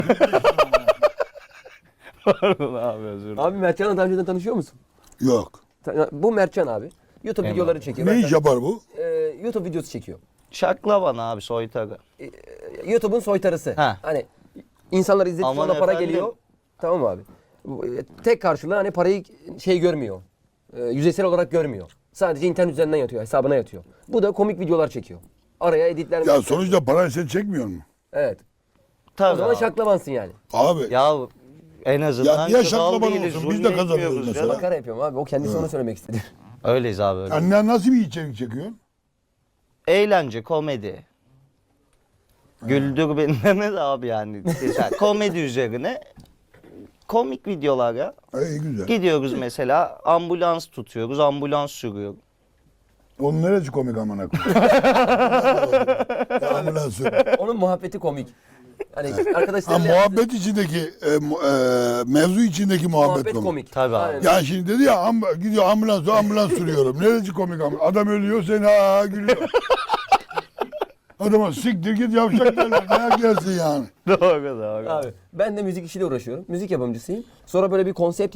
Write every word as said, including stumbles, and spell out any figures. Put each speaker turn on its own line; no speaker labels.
Pardon abi, özür dilerim.
Abi Mertcan'la daha önceden tanışıyor musun?
Yok.
Bu Mertcan abi. YouTube
Eyvallah.
videoları çekiyor.
Ne
Ben
iş
sana-
yapar bu?
Ee, YouTube videosu çekiyor.
Şaklaban abi, soytarı.
YouTube'un soytarısı.
Ha.
Hani insanlar izlediği
Aman
sonra para
efendim.
geliyor. Tamam mı abi? Bu, e, Tek karşılığı hani parayı şey görmüyor. E, yüzeysel olarak görmüyor. Sadece internet üzerinden yatıyor, hesabına yatıyor. Bu da komik videolar çekiyor. Araya editler...
Ya sonuçta parayı sen çekmiyor mu?
Evet.
Tabii
O zaman
abi.
şaklavansın yani.
Abi
Ya en azından
Ya niye
kral
şaklaban
değiliz,
olsun? Biz de
zulme
kazanıyoruz
etmiyoruz
mesela.
ya.
Makara yapıyorum abi. O kendisi onu söylemek istedi.
Öyleyiz abi, öyle.
anne nasıl bir içerik çekiyorsun?
Eğlence, komedi. Güldür beni demez abi yani. Mesela komedi üzerine komik videolar ya.
Ha, iyi güzel.
Gidiyoruz mesela, ambulans tutuyoruz, ambulans sürüyor.
Onun neresi komik amına koyayım? Ya ambulans sür.
Onun muhabbeti komik. Hani
Ha,
arkadaşlarıyla
muhabbet içindeki, e, mu- e, mevzu içindeki muhabbet,
muhabbet
komik.
komik.
Tabii abi.
Aynen.
Ya şimdi dedi ya amb- gidiyor ambulans ambulans sürüyorum. Neresi komik ambulans? Adam ölüyor sen ha ha gülüyor. Adama siktir git yavşak derler. Dayak yersin yani.
Doğru doğru.
Abi ben de müzik işiyle uğraşıyorum. Müzik yapımcısıyım. Sonra böyle bir konsept